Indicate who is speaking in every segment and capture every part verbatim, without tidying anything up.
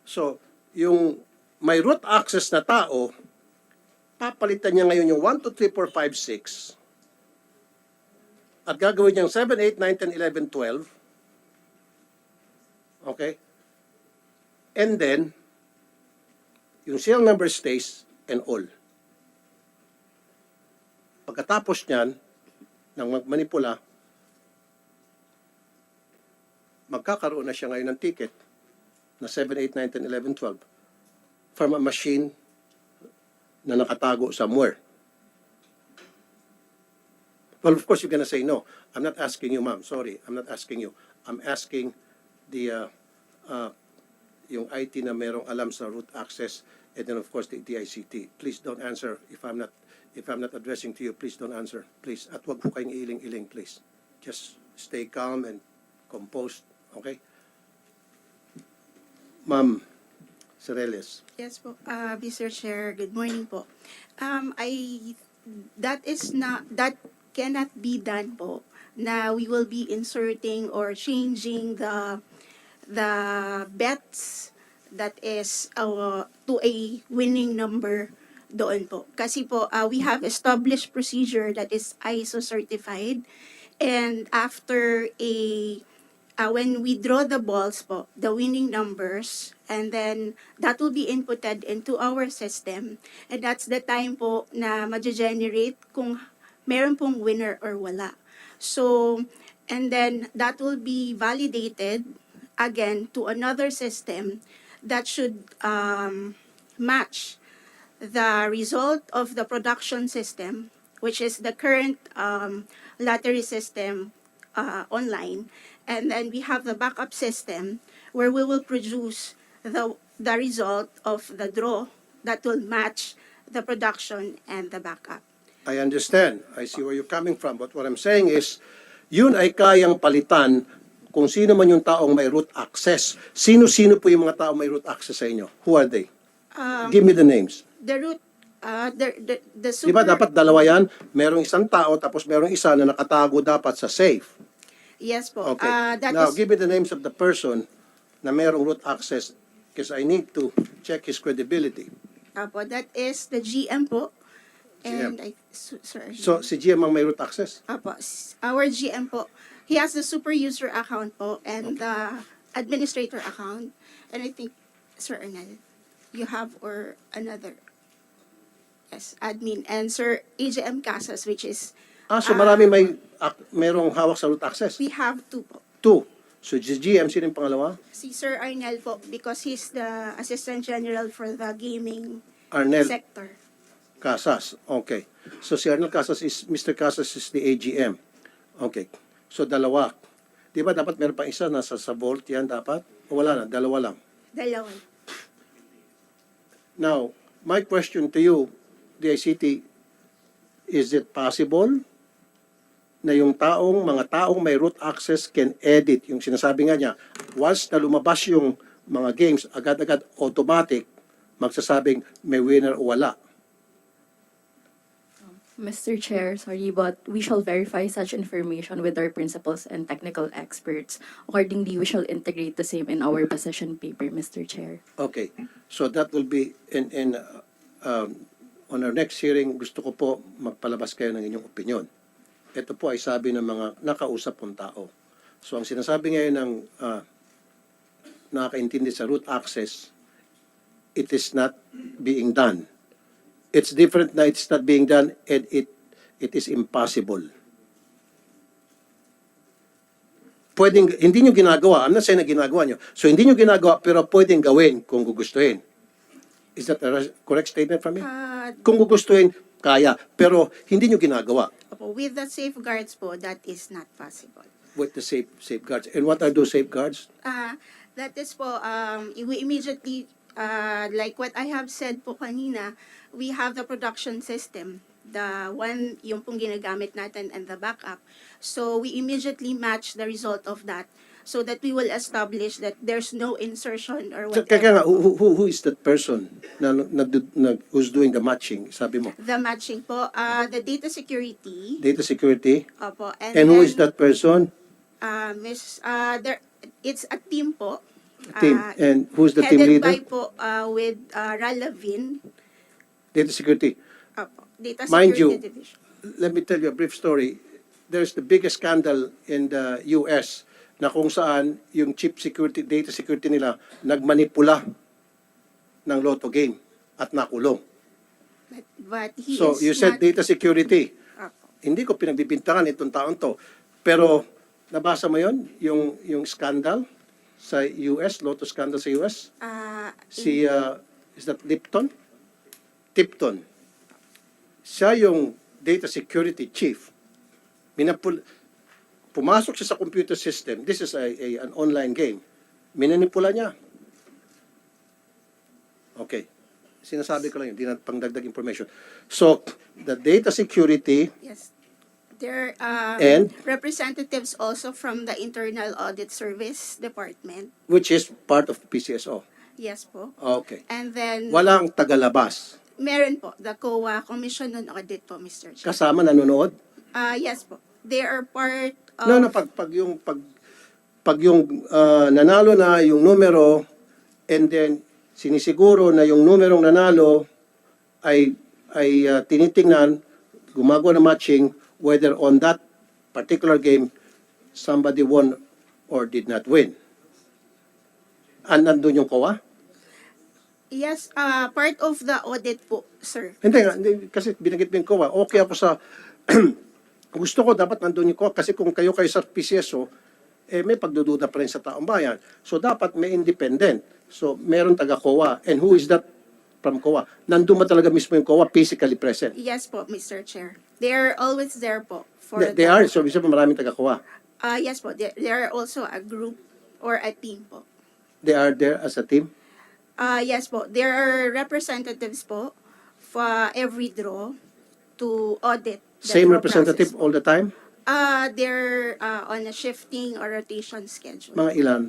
Speaker 1: So, yung may root access na tao, papalitan niya ngayon yung one, two, three, four, five, six at gagawin niyang seven, eight, nine, ten, eleven, twelve. Okay? And then, yung serial number stays and all. Pagkatapos niyan, ng magmanipula, magkakaroon na siya ngayon ng ticket na seven, eight, nine, ten, eleven, twelve from a machine na nakatago somewhere. Well, of course, you're gonna say no. I'm not asking you, ma'am. Sorry, I'm not asking you. I'm asking the uh, uh, yung I T na merong alam sa root access, and then of course the D I C T. Please don't answer if I'm not if I'm not addressing to you. Please don't answer, please. At wag po kayong iling-iling, please. Just stay calm and composed, okay? Ma'am Cereles.
Speaker 2: Yes po, uh, Mister Chair, good morning po. Um, I, that is not, that cannot be done po, na we will be inserting or changing the, the bets that is uh, to a winning number doon po. Kasi po, uh, we have established procedure that is I S O certified, and after a Uh, when we draw the balls po, the winning numbers, and then that will be inputted into our system. And that's the time po na ma-generate kung meron pong winner or wala. So, and then that will be validated again to another system that should um, match the result of the production system, which is the current um, lottery system uh, online. And then we have the backup system where we will produce the, the result of the draw that will match the production and the backup.
Speaker 1: I understand. I see where you're coming from. But what I'm saying is, yun ay kayang palitan kung sino man yung taong may root access. Sino-sino po yung mga taong may root access sa inyo? Who are they?
Speaker 2: Um,
Speaker 1: Give me the names.
Speaker 2: The root, uh, the, the, the
Speaker 1: Di
Speaker 2: super...
Speaker 1: ba dapat dalawa yan? Merong isang tao tapos merong isa na nakatago dapat sa safe.
Speaker 2: Yes po.
Speaker 1: Okay.
Speaker 2: Uh, that
Speaker 1: Now,
Speaker 2: is,
Speaker 1: give me the names of the person na merong root access because I need to check his credibility.
Speaker 2: Apo, that is the G M po.
Speaker 1: G M.
Speaker 2: And I, so, sorry.
Speaker 1: So, si G M ang may root access?
Speaker 2: Apo, s- our G M po, he has the super user account po and the administrator account. And I think, Sir Arnel, you have or another. Yes, admin. And Sir A J M Casas, which is,
Speaker 1: Ah, so marami may ak- merong hawak sa root access?
Speaker 2: we have two po.
Speaker 1: Two. So, si G M, sino yung pangalawa?
Speaker 2: Si Sir Arnel po, because he's the Assistant General for the gaming
Speaker 1: Arnel
Speaker 2: sector.
Speaker 1: Casas. Okay. So, si Arnel Casas is, Mister Casas is the A G M. Okay. So, dalawa. Di ba dapat meron pa isa nasa sa vault yan dapat? O wala na, dalawa lang.
Speaker 2: Dalawa.
Speaker 1: Now, my question to you, D I C T, is it possible na yung taong, mga taong may root access can edit, yung sinasabi nga niya, once na lumabas yung mga games, agad-agad automatic, magsasabing may winner o wala.
Speaker 3: Mister Chair, sorry, but we shall verify such information with our principals and technical experts. Accordingly, we shall integrate the same in our position paper, Mister Chair.
Speaker 1: Okay. So that will be in, in uh, um, on our next hearing, gusto ko po magpalabas kayo ng inyong opinion. Ito po ay sabi ng mga nakausap pong tao. So ang sinasabi ngayon ng uh, nakakaintindi sa root access, it is not being done. It's different na it's not being done and it it is impossible. Pwedeng, hindi nyo ginagawa. I'm not saying na ginagawa nyo. So hindi nyo ginagawa pero pwedeng gawin kung gugustuhin. Is that a correct statement from me?
Speaker 2: Uh,
Speaker 1: Kung gugustuhin, kaya. Pero hindi nyo ginagawa
Speaker 2: Opo, with the safeguards po, that is not possible.
Speaker 1: with the safe safeguards. And what are those safeguards?
Speaker 2: Ah, that is po, um, we immediately, uh, like what I have said po kanina, we have the production system, the one, yung pong ginagamit natin and the backup. So we immediately match the result of that so that we will establish that there's no insertion or
Speaker 1: So, kaya nga,
Speaker 2: whatever.
Speaker 1: who, who, who is that person na, na, na, who's doing the matching? Sabi mo,
Speaker 2: The matching po, uh, the data security,
Speaker 1: data security.
Speaker 2: opo, and,
Speaker 1: And who
Speaker 2: then,
Speaker 1: is that person?
Speaker 2: Uh, Miss, uh, there, it's a team po
Speaker 1: Team.
Speaker 2: Ah,
Speaker 1: And who's the team
Speaker 2: headed
Speaker 1: leader?
Speaker 2: by po uh, with uh, Ralavin,
Speaker 1: Data security.
Speaker 2: Opo, Data
Speaker 1: Mind
Speaker 2: Security
Speaker 1: you,
Speaker 2: Division.
Speaker 1: let me tell you a brief story. There's the biggest scandal in the U S na kung saan yung chief security, data security nila nagmanipula ng lotto game at nakulong.
Speaker 2: But, but he
Speaker 1: So
Speaker 2: is
Speaker 1: you said
Speaker 2: not,
Speaker 1: data security.
Speaker 2: Opo.
Speaker 1: Hindi ko pinagbibintangan itong taon to. Pero nabasa mo yon yung yung scandal sa U S, lotto scandal sa U S?
Speaker 2: Ah,
Speaker 1: Si uh, is that Lipton? Tipton. Siya yung data security chief. Minapul pumasok siya sa computer system. This is a, a an online game. Minanipula niya. Okay. Sinasabi ko lang yun, di na pangdagdag information. So, the data security,
Speaker 2: yes. There are um,
Speaker 1: And?
Speaker 2: representatives also from the Internal Audit Service Department.
Speaker 1: which is part of P C S O.
Speaker 2: Yes po.
Speaker 1: Okay.
Speaker 2: And then,
Speaker 1: Walang tagalabas.
Speaker 2: meron po, the C O A, Commission on Audit po, Mister Chair.
Speaker 1: Kasama nanonood.
Speaker 2: Ah, yes po. They are part of...
Speaker 1: No, no, pag, pag yung, pag, pag yung ah, nanalo na yung numero, and then sinisiguro na yung numerong nanalo ay, ay ah, tinitingnan, gumagawa ng matching, whether on that particular game, somebody won or did not win. And nandun yung C O A?
Speaker 2: Yes, uh, part of the audit po, sir.
Speaker 1: Hindi nga, hindi, kasi binagit mo yung C O A. Okay ako sa, gusto ko dapat nandun yung C O A kasi kung kayo kayo sa P C S O, eh may pagdududa pa rin sa taong bayan. So dapat may independent. So meron taga C O A. And who is that from C O A? Nandun ba talaga mismo yung C O A physically present?
Speaker 2: Yes po, Mister Chair. They are always there po. For
Speaker 1: They, they
Speaker 2: the-
Speaker 1: are, so bisa pa maraming taga C O A.
Speaker 2: Uh, yes po, they, they are also a group or a team po.
Speaker 1: They are there as a team.
Speaker 2: Uh, yes po, there are representatives po for every draw to audit the
Speaker 1: Same
Speaker 2: draw
Speaker 1: representative
Speaker 2: process po.
Speaker 1: all the time?
Speaker 2: Uh, they're uh, on a shifting or rotation schedule.
Speaker 1: Mga ilan?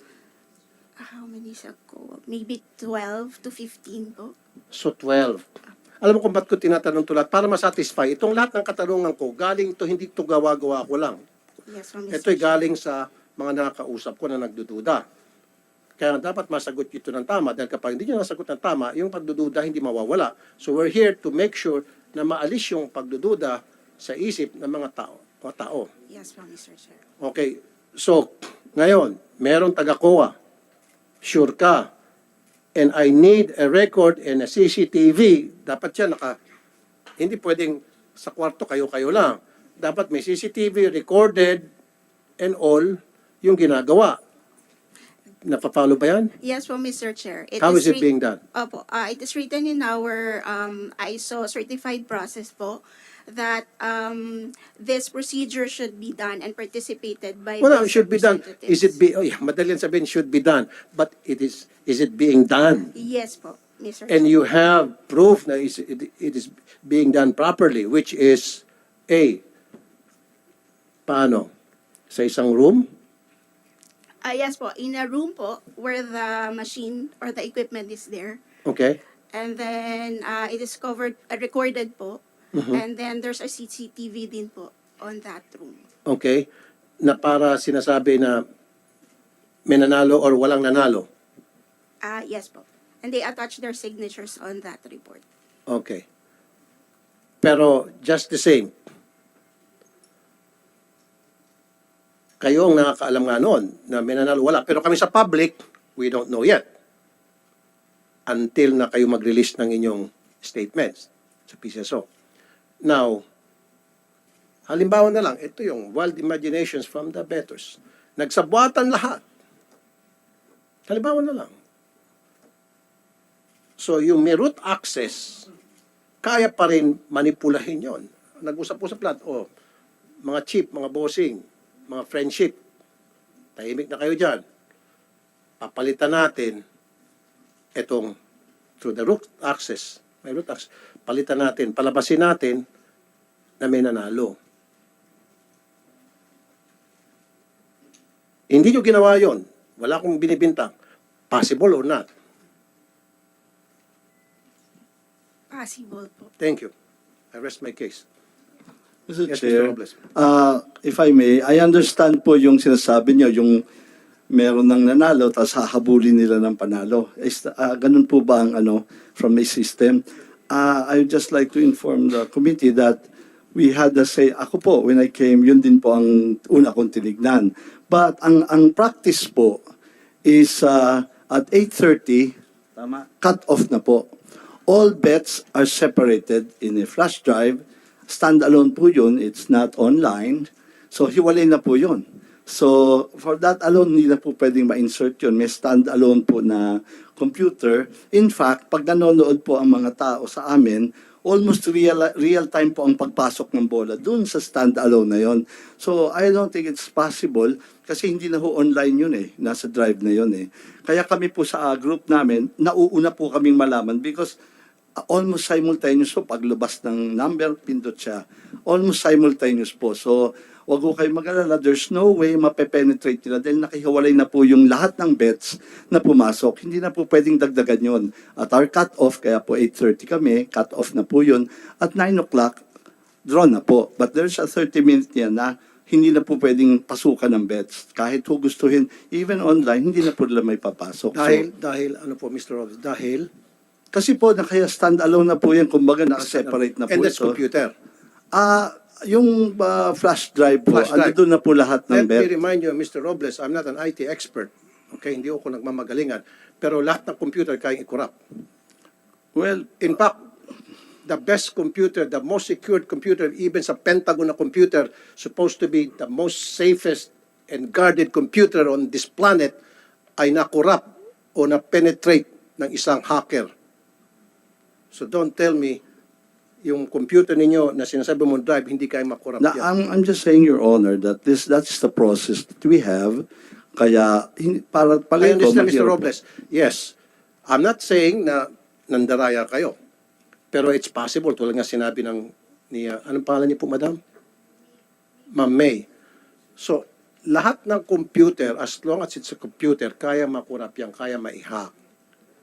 Speaker 2: How many sa ko? Maybe twelve to fifteen po.
Speaker 1: So twelve. Alam mo kung ba't ko tinatanong ito lahat? Para masatisfy. Itong lahat ng katanungan ko, galing to hindi to gawa-gawa ko lang.
Speaker 2: Yes po,
Speaker 1: Ito
Speaker 2: Mister
Speaker 1: ay galing sa mga nakakausap ko na nagdududa. Kaya dapat masagot ito ng tama dahil kapag hindi nyo nasagot ng tama, yung pagdududa hindi mawawala. So we're here to make sure na maalis yung pagdududa sa isip ng mga tao. Mga tao.
Speaker 2: Yes po, Mister Chair.
Speaker 1: Okay. So, ngayon, meron taga-C O A. Sure ka. And I need a record and a C C T V. Dapat yan naka... Hindi pwedeng sa kwarto kayo-kayo lang. Dapat may C C T V, recorded, and all yung ginagawa. Napapalo ba yan?
Speaker 2: Yes po, Mister Chair.
Speaker 1: How is it
Speaker 2: writ-
Speaker 1: being done?
Speaker 2: Opo, uh, it is written in our um, I S O certified process po that um, this procedure should be done and participated by
Speaker 1: Well, it
Speaker 2: those
Speaker 1: should be done.
Speaker 2: representatives.
Speaker 1: Is it be? Oh, yeah, madali yan sabihin should be done. But it is. Is it being done?
Speaker 2: Yes po, Mister
Speaker 1: And
Speaker 2: Chair.
Speaker 1: you have proof that is- it it is being done properly, which is A. Paano? Sa isang room?
Speaker 2: Ah, yes po, in a room po where the machine or the equipment is there.
Speaker 1: Okay.
Speaker 2: And then uh, it is covered, uh, recorded po.
Speaker 1: Mm-hmm.
Speaker 2: And then there's a C C T V din po on that room.
Speaker 1: Okay. Na para sinasabi na may nanalo or walang nanalo.
Speaker 2: Ah, yes po. And they attach their signatures on that report.
Speaker 1: Okay. Pero just the same, kayo ang nakakaalam nga noon na may nanalo, wala. Pero kami sa public, we don't know yet. Until na kayo mag-release ng inyong statements sa P C S O. Now, halimbawa na lang, ito yung wild imaginations from the bettors. Nagsabwatan lahat. Halimbawa na lang. So, yung may root access, kaya pa rin manipulahin yon. Nag-usap-usap lahat, oh, mga chief, mga bossing, mga friendship, tahimik na kayo dyan. Papalitan natin itong through the root access, may root access, palitan natin, palabasin natin na may nanalo. Hindi nyo ginawa yon. Wala akong binibintang. Possible or not?
Speaker 2: Possible po.
Speaker 1: Thank you. I rest my case.
Speaker 4: Mister
Speaker 1: Yes, Mister
Speaker 4: Chair,
Speaker 1: Robles.
Speaker 4: uh, if I may, I understand po yung sinasabi niyo, yung meron ng nanalo, tapos hahabulin nila ng panalo. Is, ah, ganun po ba ang ano, from a system? Uh, I would just like to inform the committee that we had the say, ako po, when I came, yun din po ang una kong tinignan. But ang ang practice po is uh, at eight thirty, tama, cut off na po. All bets are separated in a flash drive. Standalone po yun, it's not online. So hiwalay na po yun. So for that alone, hindi na po pwedeng ma-insert yun. May standalone po na computer. In fact, pag nanonood po ang mga tao sa amin, almost real real time po ang pagpasok ng bola dun sa standalone na yon. So I don't think it's possible kasi hindi na ho online yun eh. Nasa drive na yun eh. Kaya kami po sa uh, group namin, nauuna po kaming malaman because uh, almost simultaneous po paglabas ng number, pindot siya. Almost simultaneous po. So wag ko kayo mag-alala, there's no way mape-penetrate nila dahil nakihiwalay na po yung lahat ng bets na pumasok. Hindi na po pwedeng dagdagan yun. At our cut-off, kaya po eight thirty kami, cut-off na po yun. At nine o'clock, draw na po. But there's a thirty minute yan na hindi na po pwedeng pasukan ng bets. Kahit po gustuhin, even online, hindi na po nila may papasok.
Speaker 1: Dahil,
Speaker 4: So,
Speaker 1: dahil, ano po, Mister Robles, dahil,
Speaker 4: kasi po, nakaya stand-alone na po yan, kumbaga nakaseparate na po
Speaker 1: and that's
Speaker 4: ito.
Speaker 1: computer.
Speaker 4: Ah, yung uh, flash drive po,
Speaker 1: Flash drive.
Speaker 4: ano doon na po lahat ng
Speaker 1: Let me
Speaker 4: bet.
Speaker 1: remind you, Mister Robles, I'm not an I T expert. Okay, hindi ako nagmamagalingan. Pero lahat ng computer kayang i-corrupt.
Speaker 4: Well,
Speaker 1: In fact, the best computer, the most secured computer, even sa Pentagon na computer, supposed to be the most safest and guarded computer on this planet, ay na-corrupt o na-penetrate ng isang hacker. So don't tell me, yung computer ninyo na sinasabi mo drive, hindi kayo makorrupt
Speaker 4: na,
Speaker 1: yan.
Speaker 4: I'm, I'm just saying, Your Honor, that this that's the process that we have. Kaya, hin- para
Speaker 1: I
Speaker 4: pala ito,
Speaker 1: understand, Mister
Speaker 4: mahirap po.
Speaker 1: Robles. Yes. I'm not saying na nandaraya kayo. Pero it's possible, tulad nga sinabi ng, ni, uh, anong pangalan niyo po, Madam? Ma'am May. So, lahat ng computer, as long as it's a computer, kaya makurap yan, kaya ma-hack.